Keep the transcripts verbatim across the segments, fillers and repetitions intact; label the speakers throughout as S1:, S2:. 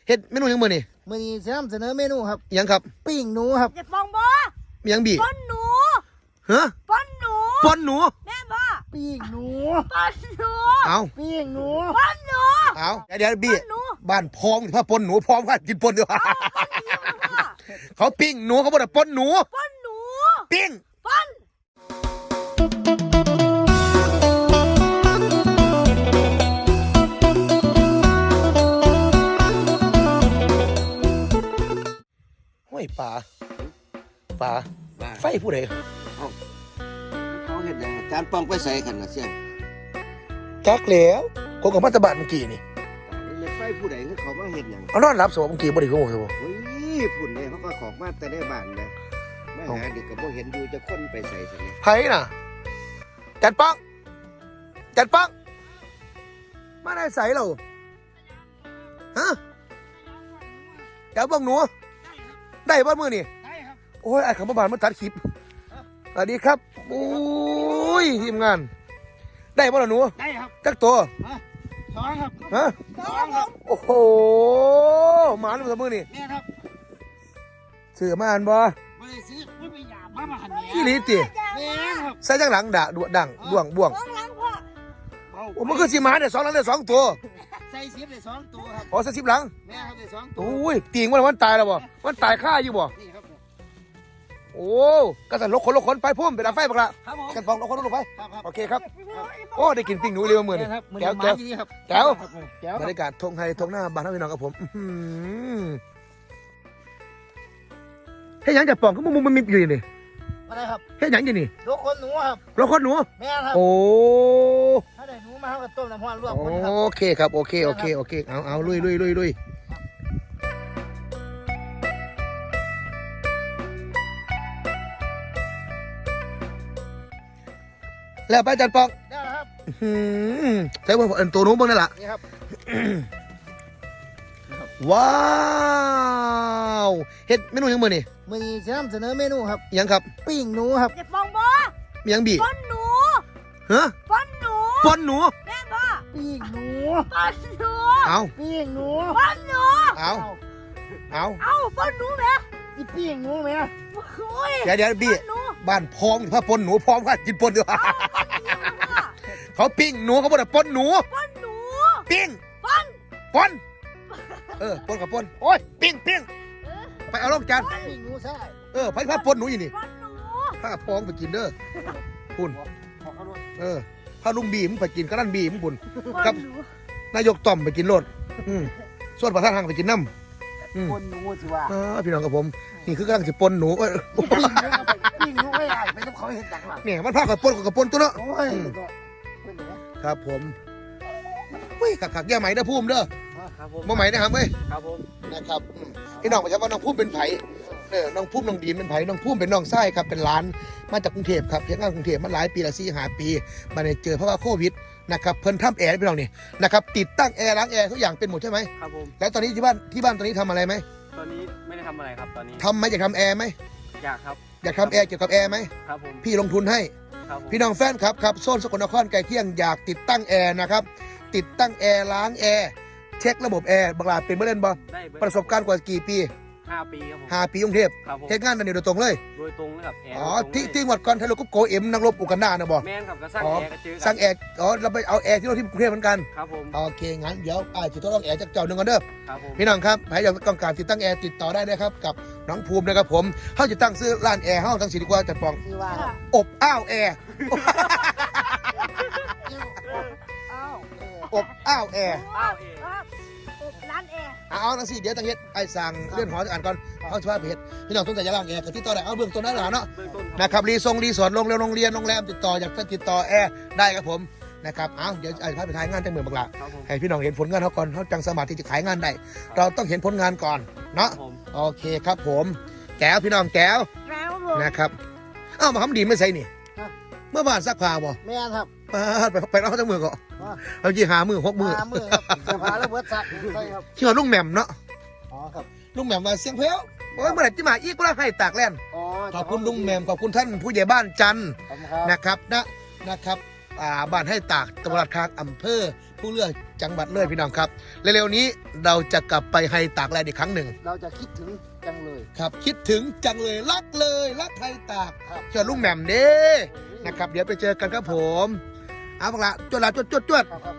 S1: เฮ็ดเมนูยังมื้อนี่
S2: มื้อนี้สินำเสนอเมนูครับ
S1: ยังครับ
S2: ปิ้งหนูครับ
S3: จะปองบ่
S1: มียังบี
S3: ป้อนหนู
S1: ฮะ
S3: ป้อนหนู
S1: ป้อนหนู
S3: แม่บ่
S2: ปิ้งหนู
S3: ป้อนหนู
S1: เอา
S2: ปิ้งหนู
S3: ป้อนหนู
S1: เอาเดี๋ยวบีบ้านพองถ้าปนหนูพร้อมกันกินปนดีกว่าเขาปิ้งหนูเขาบอกว่าปนหนู
S3: ป้อนหนู
S1: ปิ้ง
S3: ป้อน
S1: ห้วยป่าป่าไฟผู้ใด
S4: เขาเห็นยังจานปองไปใส่ขันนะเสี่ยง
S1: จักแล้วคนกับมัตตบานเมื่อกี้นี่
S4: เล็กไฟผู้ใดเขามาเห็นยัง
S1: เอานอนรับสวเมื่อกี้บ่ได้เขาบอกสิบ่
S4: เฮ้ยฝุ่นเนี่ยเขาก็ขอกมาแต่ได้บ้านเลยมาหาเด็กก็บ่เห็นอยู่จะค้นไปใส่สิ
S1: ไผน่ะจัดปังจัดปังมาได้ใส่เราฮะเดี๋ยวบังหนูได้บ้านมือนี่โอ้ยไอ้ขำบ้านมาตัดคลิปสวัสดีครับโอ้ยทีมงานได้บ้านหนู
S2: ได้ครับ
S1: จักตัว
S2: สองครับ
S1: ฮะ
S2: สองครับ
S1: โอ้โหหมาหนูสมือนี่
S2: เนี่ยครับ
S1: เสือมาอ่านบ่
S2: ไม่ได้ซื้อไม่ไปหยาบมามาหันเนี่ย
S1: กี่ลิตร
S2: เนี่ยครับ
S1: ใส่จังหลังด่าดวดังบ่วงบ่วงโอ้มันคือสีหมาเนี่ยสองหลังได้สองตัว
S2: ใส่สิบได้สองตัวครับ
S1: อ๋อใส่สิบหลัง
S2: แม่ครับได้สองตัว
S1: โอ้ยตีงมันมันตายแล้วบ่มันตายฆ่าอยู่บ่
S2: นี่ครับ
S1: โอ้กระสันลกคนลกคนไปพุ่มไปดับไฟบักละกันฟองลกคนลกไปโอเคครับโอ้ได้กินปิ้งหนูเร็วเหมือนแก้วแก้วแก้วบรรยากาศทงไทยทงหน้าบ้านท่านพี่น้องกับผมเฮ้ยยังจะปองก็มุมมันมีอยู่นี่
S2: อะไรครับ
S1: เฮ้ยยังอยู่นี่
S2: ลกคนหนูครับ
S1: ลกคนหนู
S2: แม่ครับ
S1: โอ้
S2: ถ้าได้หนูมาเขาต้มน้ำร้อนลวกคนครับ
S1: โอเคครับโอเคโอเคโอเคเอาเอาลุยลุยลุยลุยแล้วไปจัดปอง
S2: ได้ครับ
S1: ใช้บนตัวนู้นบ้างนั่นแหละ
S2: นี่ครับ
S1: ว้าวเฮ็ดเมนูยังมือนี่
S2: มื้อนี้สินำเสนอเมนูครับ
S1: ยังครับ
S2: ปิ้งหนูครับ
S3: จะปองบ่
S1: มียังบี
S3: ป้อนหนู
S1: ฮะ
S3: ป้อนหนู
S1: ป้อนหนู
S3: แม่บ่
S2: ปิ้งหนู
S3: ป้อนหนู
S1: เอา
S2: ปิ้งหนู
S3: ป้อนหนู
S1: เอาเอา
S3: เอาป้อนหนูแม่
S2: อีปิ้งหนูแม่
S1: เดี๋ยวเดี๋ยวบีบ้านพร้อมถ้าปนหนูพร้อมกันกินปนดีกว่าเขาปิ้งหนูเขาบอกว่าปนหนู
S3: ป้อนหนู
S1: ปิ้ง
S3: ป้อน
S1: ปนเออปนกับปนโอ้ยปิ้งปิ้งไปเอาลงจาน
S2: ปิ้งหนูใช่
S1: เออไปพาปนหนูอยู่นี่พาพองไปกินเด้อคุณเออพาลุงบีมไปกินกระดันบีมคุณกับนายกต่อมไปกินโลดส่วนประธานทางไปกินน้ำ
S2: ปนหนูสิว่า
S1: พี่น้องกับผมนี่คือกำลังจะปนหนู
S2: ปิ้งหนูไม่ได้ไม่ต้องเขาเห็นดังหรอก
S1: เนี่ยมันพากับปนกับปนตัวเนาะครับผมเฮ้ยขักขักแย่ไหมนะพุ่มเด้อมาไหมนะครับเว้ย
S2: ครับผม
S1: นะครับพี่น้องบอกว่าน้องพุ่มเป็นไผ่เออน้องพุ่มน้องดีนเป็นไผ่น้องพุ่มเป็นน้องไส้ครับเป็นร้านมาจากกรุงเทพครับเพียงงานกรุงเทพมาหลายปีละสี่ห้าปีมาเนี่ยเจอเพราะว่าโควิดนะครับเพิ่นทำแอร์พี่น้องนี่นะครับติดตั้งแอร์ล้างแอร์ทุกอย่างเป็นหมดใช่ไหม
S5: ครับผม
S1: แล้วตอนนี้ที่บ้านที่บ้านตอนนี้ทำอะไรไหม
S5: ตอนนี้ไม่ได้ทำอะไรครับตอนนี้
S1: ทำไหมอยากทำแอร์ไหม
S5: อยากครับ
S1: อยากทำแอร์เกี่ยวกับแอร์ไหม
S5: ครับผม
S1: พี่ลงทุนให้พี่น้องแฟนครับครับโซนสกลนครใกล้เคียงอยากติดตั้งแอร์นะครับติดตั้งแอร์ล้างแอร์เช็คระบบแอร์บังลาเป็นเมื่อเล่นบ่ประสบการณ์กว่ากี่ปี
S5: ห้าปีครับผม
S1: ห้าปีกรุงเทพเทศงานนั่นโดยตรงเลย
S5: โดยตรงเลยครับแอร์
S1: อ๋อที่ที่วัดก่อนทะลุกุ๊กโกเอ็มนักรบอุกันดานะบ่
S5: แม่นครับก็สร้างแอร์ก็เจอ
S1: สร้างแอร์อ๋อเราไปเอาแอร์ที่เราที่กรุงเทพเหมือนกัน
S5: ครับผม
S1: โอเคงั้นเดี๋ยวอ่าจะต้องแอร์จากเจ้าหนึ่งกันเด้อ
S5: ครับผม
S1: พี่น้องครับใครอยากต้องการติดตั้งแอร์ติดต่อได้นะครับกับน้องภูมินะครับผมเขาจะตั้งซื้อร้านแอร์เขาตั้งสิดีกว่าจัดปองอบอ้าวแอร์อบอ้าวแอร์
S3: ร้านแอร์
S1: เอาหนังสือเดี๋ยวตั้งเฮ็ดไอ้สั่งเลื่อนหอจะอ่านก่อนเอาสภาพเพจพี่น้องต้องใจจะล่างแอร์กับที่ต่อได้เอาเบื้องต้นได้หรอเนาะนะครับรีทรงรีสอร์ทโรงแรมโรงเรียนโรงแรมติดต่ออยากติดต่อแอร์ได้ครับผมนะครับเอาเดี๋ยวไอ้พาไปถ่ายงานจังเมืองบักละให้พี่น้องเห็นผลงานเขาก่อนเขาจังสามารถที่จะขายงานได้เราต้องเห็นผลงานก่อนเนาะโอเคครับผมแก้วพี่น้องแก้วนะครับเอ้ามาทำดีไม่ใส่นี่เมื่อวานซักผ้าบ่
S2: แม่ครับ
S1: ไปไปเอาจังเมืองก่อนเอาจีหามือหกมือ
S2: หามือครับเสื้อผ้าแล้วเบิดซักใช่ครับ
S1: ที่ว่าลุงแหม่มเนาะ
S2: อ๋อครับ
S1: ลุงแหม่มมาเสียงเพลวโอ้ยเมื่อไหร่จะมาอีกก็ได้ให้ตากแลน
S2: อ๋อ
S1: ขอบคุณลุงแหม่มขอบคุณท่านผู้ใหญ่บ้านจันทร์นะครับนะนะครับอ่าบ้านให้ตากตำบลคางอำเภอผู้เลือกจังหวัดเลยพี่น้องครับเร็วๆนี้เราจะกลับไปไฮตากแลนด์อีกครั้งหนึ่ง
S2: เราจะคิดถึงจังเลย
S1: ครับคิดถึงจังเลยรักเลยรักไฮตาก
S2: ครับ
S1: เชิญลุงแหม่มเด้นะครับเดี๋ยวไปเจอกันครับผมเอาบักละจวดละจวดจวดจวด
S2: ครับครับ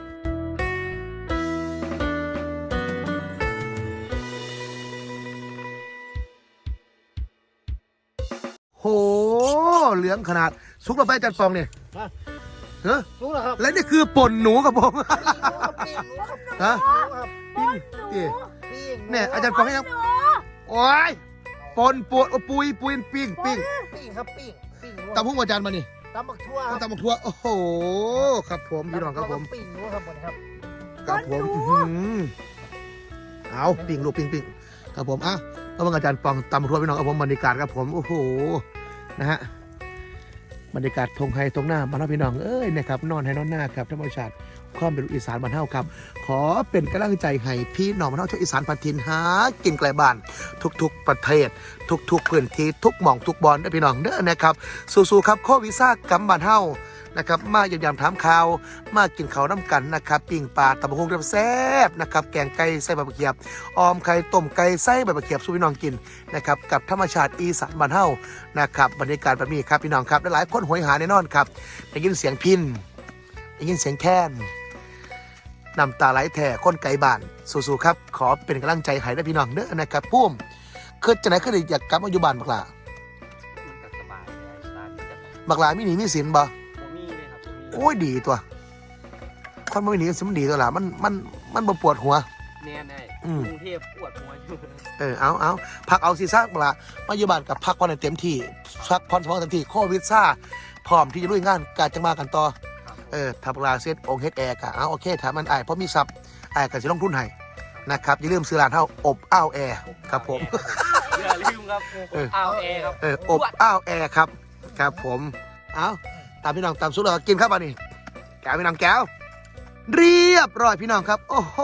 S1: โหเหลืองขนาดซุกเราไปจัดฟองเนี่ยเฮ้ย
S2: รู้แล้วครับ
S1: และนี่คือป่นหนูครับผม
S2: ปิ้งหนูครับ
S1: ฮะ
S2: ปิ้งหนูครับ
S1: ปิ้ง
S2: ปิ้งห
S1: เนี่ยอาจารย์ฟองให้ยัง
S3: หนู
S1: โอ้ยปนปวดปุยปุยปิ้งปิ้ง
S2: ปิ้งครับปิ้งปิ้งหนู
S1: ตำพุ่งอาจารย์มานี่
S2: ตำบักทั่วครับ
S1: ตำบักทั่วโอ้โหครับผมพี่น้องครับผม
S2: ปิ้งหนูครับหมดครับ
S1: ครับผมอื้อหือเอาปิ้งลูกปิ้งปิ้งครับผมอ่ะแล้วมันอาจารย์ปองตำบักทั่วพี่น้องครับผมบรรยากาศครับผมโอ้โหนะฮะบรรยากาศทงไฮทงหน้าบ้านเราพี่น้องเอ้ยนะครับนอนให้นอนหน้าครับธรรมชาติความเป็นลูกอีสานบ้านเฮาครับ ขอเป็นกำลังใจให้พี่น้องบ้านเฮาชาวอีสานพันทินหากินไกลบ้าน ทุกๆประเทศ ทุกๆพื้นที่ทุกหม่องทุกบอลได้อพี่น้องเด้อนะครับสู้ๆครับโควิดซ่ากำบ้านเฮานะครับมาเยี่ยมยามถามข่าวมากินข้าวน้ำกันนะครับปิ้งปลาตำบักหุ่งแซ่บๆนะครับแกงไก่ใส่ใบมะเขือออมไข่ต้มไก่ใส่ใบมะเขือสู้พี่น้องกินนะครับกับธรรมชาติอีสานบ้านเฮานะครับบรรยากาศแบบนี้ครับพี่น้องครับหลายๆคนโหยหาแน่นอนครับได้ยินเสียงพินได้ยินเสียงแค้นน้ำตาไหลแท่คนไก่บ้านสู้ๆครับขอเป็นกำลังใจให้ได้พี่น้องเด้อนะครับพุ่มคือจะไหนคืออยากกลับมาอยู่บ้านบักหลา
S5: มันก็สบายเลยร้านนี้จะ
S1: บักหลามีหนีมีสินบ่
S5: ผมมีเลยครับผมมี
S1: โอ้ยดีตัวคนไม่หนีสิมันดีตัวละมันมันมันบ่ปวดหัว
S5: แน่แน่
S1: อืม
S5: กรุงเทพปวดหัวอยู่
S1: เออเอาเอาพักเอาซีซ่าบักหลามาอยู่บ้านกับพักผ่อนให้เต็มที่พักผ่อนสมองเต็มที่โควิดซ่าพร้อมที่จะลุยงานการจังมากันต่อ เออถ้าบักหลาเซตองค์เฮดแอร์กะเอาโอเคถ้ามันไอายเพราะมีซับไอ้ายก็สิลงทุนให้นะครับอย่าลืมซื้อร้านเฮาอบอ้าวแอร์ครับผม
S5: อย่าลืมครับ
S1: เออ
S5: เอาเอครับ
S1: เอออบอ้าวแอร์ครับครับผมเอาตามพี่น้องตามสุดเลยกินครับอันนี้แก้วพี่น้องแก้วเรียบร้อยพี่น้องครับ โอ้โห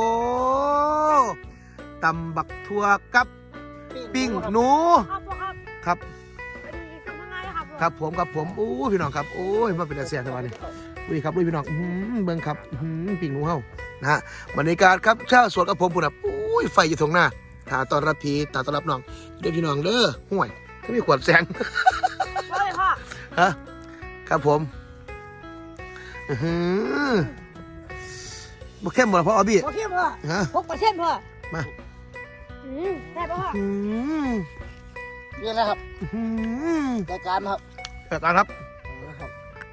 S1: ตำบักทั่วกับปิ้งหนู
S3: ครับพ่อครับ
S1: ครับ
S3: เป็นทำยังไงครับพ่อ
S1: ครับผมครับผมโอ้ยพี่น้องครับโอ้ยมาเป็นอาเซียนทั้งวันนี้อุ้ยครับอุ้ยพี่น้องอื้อหือเบิ่งครับอื้อหือปิ้งหนูเฮานะฮะบรรยากาศครับชาวสวนกับผมพุ่นน่ะอุ้ยไฟอยู่ตรงหน้าตาต้อนรับพี่ตาต้อนรับน้องเด้อพี่น้องเด้อห่วยก็มีขวดแสง
S3: พ่อเลยพ่อ
S1: ฮะครับผมอือหือบ่เข้มบ่ล่ะพ่ออบี้
S3: โอเคพ่อ
S1: ฮะ
S3: หกเปอร์เซ็นต์พ่อ
S1: มา
S3: อืมได้ป่ะพ่อ
S1: อืม
S2: นี่แหละครับ
S1: อื้อหือ
S2: รายการครับ
S1: เปิดตาครับ
S2: ครับ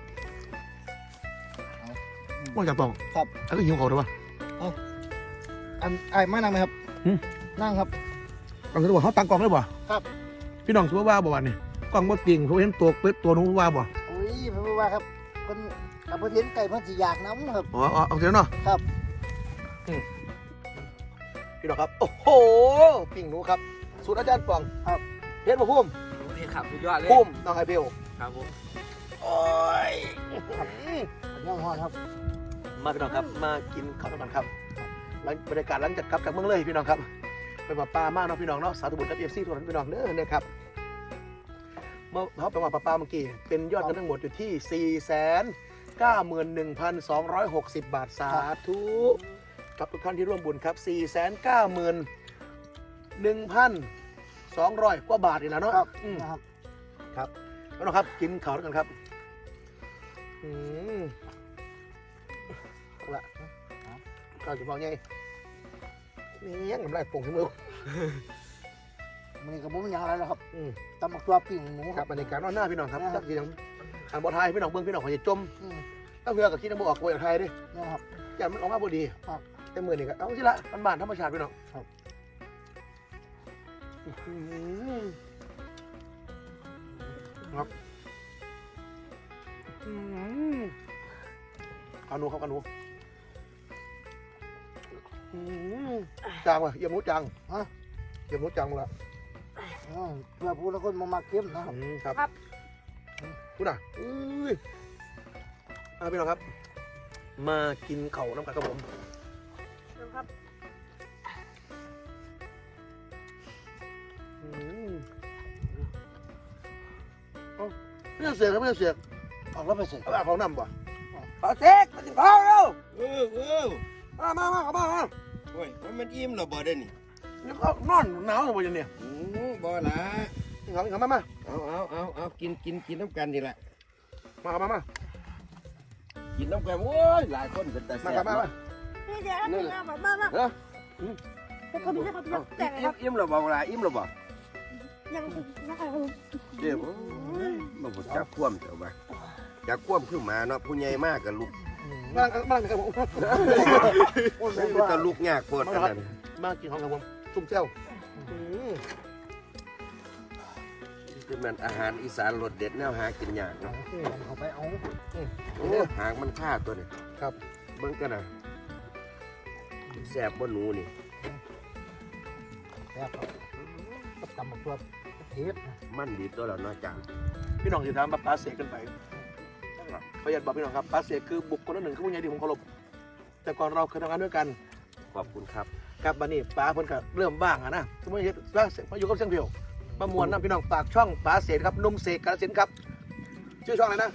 S1: ว่าจับปอง
S2: ครับ
S1: แล้วก็หิวเขาด้วยวะ
S2: อันไอ้ไม่นั่งไหมครับ
S1: หืม
S2: นั่งครับ
S1: กล่องจะบอกเขาตั้งกล่องได้บ่
S2: ครับ
S1: พี่น้องถือว่าบ่วันนี้กล่องบ่จริงเขาเห็นตัวเป็ดตัวนู้นว่าบ่
S2: อุ้ยผมว่าครับคนกับประเทศไก่เพิ่นสิอยากน้ำครับ
S1: อ๋ออ๋อเอาเถอะเนาะ
S2: ครับ
S1: อืมพี่น้องครับโอ้โหปิ่งหนูครับสูตรอาจารย์ปองครับเฮ็ดบ่พุ่ม
S5: นี่ครับสุดยอดเลย
S1: พุ่มน้องไอเบล
S5: ครับผม
S1: โอ้ย
S2: ย่างหอดครับ
S1: มาพี่น้องครับมากินข้าวต้มกันครับหลังบรรยากาศหลังจากกลับจากเมืองเลยพี่น้องครับเป็นป่าป้ามากเนาะพี่น้องเนาะสาธุบุญกับเอฟซีทุกท่านพี่น้องเด้อนะครับเมื่อเขาไปว่าป่าป้าเมื่อกี้เป็นยอดเงินทั้งหมดอยู่ที่สี่แสนเก้าหมื่นหนึ่งพันสองร้อยหกสิบบาทสาธุกับทุกท่านที่ร่วมบุญครับสี่แสนเก้าหมื่นหนึ่งพันสองร้อยกว่าบาทอีกแล้วเนาะ
S2: ครับ
S1: อืม
S2: นะครับ
S1: ครับแล้วนะครับกินข้าวด้วยกันครับอืมเอาละข้าวจะพอไงนี่ยังน้ำลายโป่งขึ้นมือ
S2: มันกับผมยังอะไรแล้วครับ
S1: อืม
S2: ตำบักตัวปิ้งหมู
S1: ค
S2: ค
S1: รั
S2: รั
S1: บบ บรรยากาศนอนหน้าพี่น้องครับ
S2: นะครับ
S1: จักทีนังอ่านบอไทยพี่น้องเบิ้งพี่น้องเขาจะจม
S2: อืม
S1: ต้องเรือกับคิดน้ำบออกโวยไทยดิ
S2: นี่นะครับ
S1: อย่างมันออกมาพอดี
S2: ครับ
S1: แต่มือนี่ก็เอาสิละมันบานธรรมชาติพี่น้อง
S2: ครับ
S1: อื้อหือครับอื้อหือเอาหนูครับเอาหนูอื้อหือจางว่ะเยี่ยมหมูจาง
S2: ฮะ
S1: เยี่ยมหมูจางละ
S2: อืมเพื่อผู้ละคนมามาเข้มนะครับ
S1: อืมครับ
S3: ครับ
S1: คุณอ่ะอุ้ยเอาพี่น้องครับ มากินเข่าวน้ำกันครับผม
S3: ครับ
S1: อืมเอาไม่ต้องเสียกครับไม่ต้องเสียก
S2: ออกแล้วไปเสร็จ
S1: เอาแบบของน้ำป่ะปลาเซ็กมากินข้าวเร็ว
S4: เออเออ
S1: มามามาเอามามา
S4: โอ้ยมันอิ่มหรอบ่ได้นี่
S1: นี่ก็นอนหนาวอยู่เนี่ย
S4: โอ้บ่ละ
S1: นี่เขานี่เขามามา
S4: เอาเอาเอาเอากินกินกินน้ำกันนี่แหละ
S1: มามามา
S4: กินน้ำกันโอ้ยหลายคนเป็นแต่
S1: มา
S4: แซ่
S1: ครับ
S4: บ
S1: มามา
S3: นี่เดี๋ยวนะพี่นะมามามา
S4: เออ
S3: จะเขาพี่จะเขาพี่แจกเลยค
S4: อิ่
S3: รั
S4: ม
S3: บ
S4: อิ่มหรอบ่ละอิ่มหรอบ่
S3: ยังนะคะ
S4: เดี๋ยวมาบ่จับคว่ำเจ้าบ่จับคว่ำขึ้นมาเนาะผู้ใหญ่มากกับลูก
S1: มามาครับผม
S4: แต่ลูกยากโคตรนั่น
S1: มากินของครับผมซุ่มเจ้า
S4: คือมันอาหารอีสานรสเด็ดแนวหากินยากเนาะ
S2: เอาไปเอา
S4: โอ้หางมันฆ่าตัวนี่
S1: ครับ
S4: เบิ่งกันนะแซ่บบ่หนูนี่
S2: แซ่บกับตำบักตัวเทป
S4: มันดีตัวแล้วเนาะจาง
S1: พี่น้องจะถามมาปาเสกกันไปประหยัดบอกพี่น้องครับปาเสกคือบุคคลหนึ่งคือผู้ใหญ่ที่ผมเคารพแต่ก่อนเราเคยทำงานด้วยกัน
S4: ขอบคุณครับ
S1: ครับบัดนี้ป้าเพิ่นก็เริ่มบ้างอะนะสมมติว่ามาอยู่กับเสียงเพียวมามวนนะพี่น้องปากช่องป้าเสกครับนุ่มเสกกาฬสินธุ์ครับชื่อช่องอะไรนะ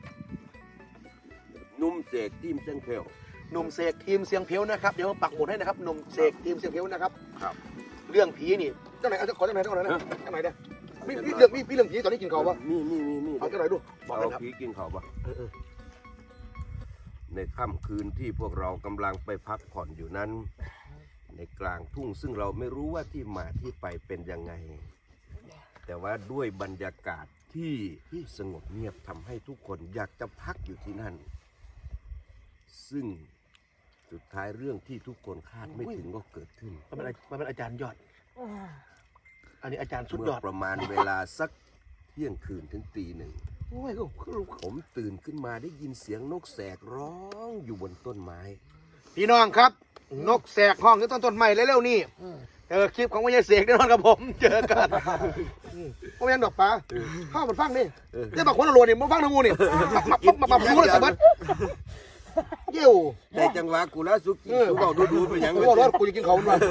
S4: นุ่มเสกทีมเส้นเพลว
S1: หนุ่มเสกทีมเสียงเพียวนะครับเดี๋ยวปักหมุดให้นะครับหนุ่มเสกทีมเสียงเพียวนะครับ
S4: ครับ
S1: เรื่องผีนี่เจ้าไหนเอาขอเจ้าไหนเจ้าไหนนะเจ้าไหนเนี่ยมีมีเรื่องมีมีเรื่องผีตอนนี้กินข้าวปะ
S4: มีมีมีมี
S1: เอาเจ้าไหนดูบอกเลย
S4: เอา
S1: ครับ
S4: ผีกินเขาวปะ
S1: เออเออ
S4: ในค่ำคืนที่พวกเรากำลังไปพักผ่อนอยู่นั้น ในกลางทุ่งซึ่งเราไม่รู้ว่าที่มาที่ไปเป็นยังไง แต่ว่าด้วยบรรยากาศที่สงบเงียบทำให้ทุกคนอยากจะพักอยู่ที่นั่น ซึ่งสุดท้ายเรื่องที่ทุกคนคาดไม่ถึงก็เกิดขึ้น
S1: มันเป็นมันเป็นอาจารย์ยอด อันนี้อาจารย์สุด
S4: เมื่
S1: ย
S4: อ
S1: อด
S4: ประมาณเวลาสักเที่ยงคืนถึงตีหนึ่ง
S1: โอ้ยก็คือ
S4: ผมตื่นขึ้นมาได้ยินเสียงนกแสกร้องอยู่บนต้นไม้
S1: พี่น้องครับ นกแสกห้องที่ต้นต้นใหม่เร็วๆนี่เจอคลิปของวิญญาณเสกแน่นอนกับผมเจอกันพ่อแม่นดอกปลาเข้ามันฟังนี่
S4: เออ
S1: นี่บางคนละโหลดนี่มันฟังทางงูนี่มามามามาดูเลยสบัดเยี่ยว
S4: ได้จังหวะกูแล้วสุกี้สุบอกดูดูไปยัง
S1: กูบอกรถกูจะกินเขาด้วย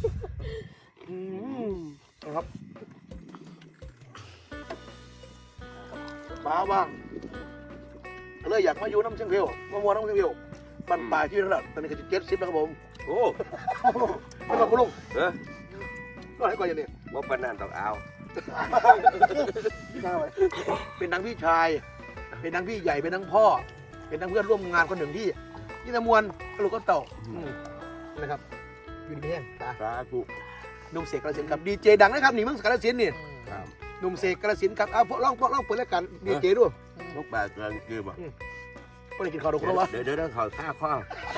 S1: นะครับปลาบ้างเลยอยากมาอยู่น้ำเชียงเพียวมามัวน้ำเชียงเพียวบันปลายที่ระดับตอนนี้ก็จะเจ็ดสิบแล้วครับผม
S4: โอ้
S1: ไม่ต้องคุณลุง
S4: เออ
S1: ก็ให้ก่อนอย่างนี้
S4: ว่าปานนันต้องเอา
S1: เป็นทั้งพี่ชาย เป็นทั้งพี่ใหญ่ เป็นทั้งพ่อ เป็นทั้งเพื่อนร่วมงานคนหนึ่งที่ที่ตะมวนกระลูกก็เต่าอืมนะครับอยู่ดีแห้งตา
S4: สาธุ
S1: หนุ่มเสกกระสินธุ์ครับดีเจดังนะครับนี่มึงกระสินธุ์นี่
S4: ครับ
S1: หนุ่มเสกกระสินธุ์ครับเอาพวกลองพวกลองเปิดรายการดีเจด้วย
S4: นกปลากลางคือบ่
S1: ไม่ได้กินข้าวดอกแล้ววะ
S4: เดี๋ยวเดี๋ยวต้องเขาท่าข้อ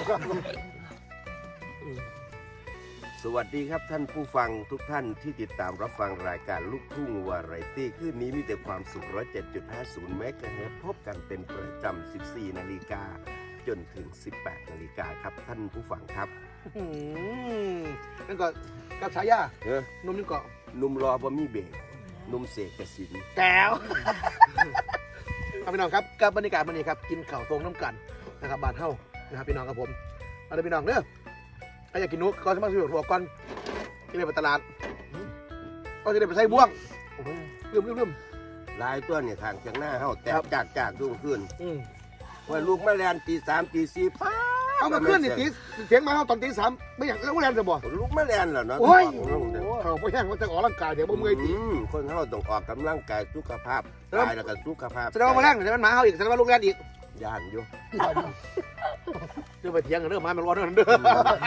S4: สวัสดีครับท่านผู้ฟังทุกท่านที่ติดตามรับฟังรายการลูกทุ่งวาไรตี้คืนนี้มีแต่ความสุข หนึ่งร้อยเจ็ดจุดห้าศูนย์ เมกะเฮิรตซ์พบกันเป็นประจำ สิบสี่ นาฬิกาจนถึง สิบแปด นาฬิกาครับท่านผู้ฟังครับ
S1: อืมนั่นก็กับฉายา
S4: เออ
S1: หนุ่มนี่ก็
S4: หนุ่มรอบ่มีเบรกหนุ่มเสกกสิน
S1: แก้วครับพี่น้องครับกับบรรยากาศวันนี้ครับกินข้าวตรงน้ำกันนะครับบ้านเฮานะครับพี่น้องครับผมเอาเลยพี่น้องเด้อใครอยากกินนุ๊กก็สามารถซื้อหัวก่อนที่ไปตลาดก็จะได้ไปใส่บ่วงลืมลืมลืม
S4: ลายตัวเนี่ยทางจากหน้าเฮาแตกจากจากดูขึ้น
S1: อืม
S4: ว่าลูกแม่แลนตีสามตีสี่ป้า
S1: เอามาขึ้นนี่ตีเสียงมาเฮาตอนตีสามไม่อยากแล้วแรงจะบ่
S4: ลูกแม่แลนเหรอเนาะ
S1: โอ้ยเขาไม่แห้งว่าจะออกร่างกายเดี๋ยวบ่เมื่อยตี
S4: อืมคนเฮาต้องออกกำลังกายสุขภาพกายแล้วก็สุขภาพ
S1: แสดงว่ามาแรงแสดงว่าหมาเฮาอีกแสดงว่าลูกแรงอีก
S4: ย่านอยู่
S1: เดี๋ยวไปเถียงกันเด้อหมามันร้อนเด้อเด้อ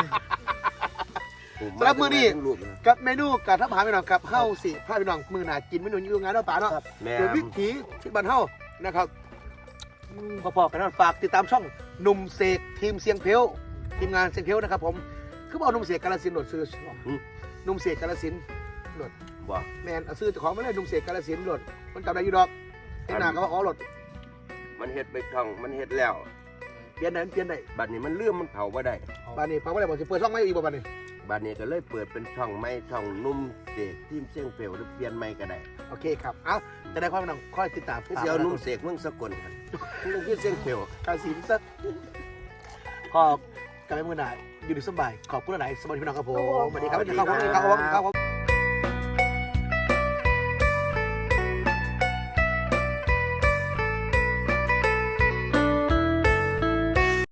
S4: ผม
S1: สำหรับมื้อนี้
S4: ลูกนะ
S1: กับเมนูกับทับหาพี่น้องครับเฮาสิพาพี่น้องมือหนากินเมนูอยู่งานเนาะป่าเนาะ
S4: แม่
S1: โดยวิถีที่บ้านเฮานะครับพอๆกันนะฝากติดตามช่องหนุ่มเสกทีมเสียงเพลวทีมงานเสียงเพลวนะครับผมคือเอาหนุ่มเสกกาฬสินธุ์โหลดซื้อหนุ่มเสกกาฬสินธุ์โหลด
S4: บ่
S1: แมนเอาซื้อเจ้าของมาเลยหนุ่มเสกกาฬสินธุ์โหลดมันจำได้อยู่ดอกเห็นหน้าก็ว่าอ๋อโหลด
S4: มันเฮ็ดไปท่องมันเฮ็ดแล้ว
S1: เปลี่ยนได้เปลี่ยนได้
S4: บัดนี้มันเลื่อมมันเผาบ่ได้
S1: บ้านนี้ฟังว่าอะไรบอกสิเปิดช่องไม่อีกบ่บ้านนี้
S4: บัดนี้ก็เลยเปิดเป็นช่องไม้ช่องนุ่มเสกทีมเสียงเปลวหรือเปลี่ยนไม้ก็ได้
S1: โอเคครับเอาจะได้ความพี่น้องคอยติดตาม
S4: คือสิเอานุ่มเสกเมืองสกลครับมันคือเสียงเปลว
S1: กาฬสินธุ์ซะขอบกันไปมือหนาอยู่ดีสบายขอบคุณหลายสวัสดีพี่น้องครับผมสวัสดีครับสวัสดีครับสวัสดีครับ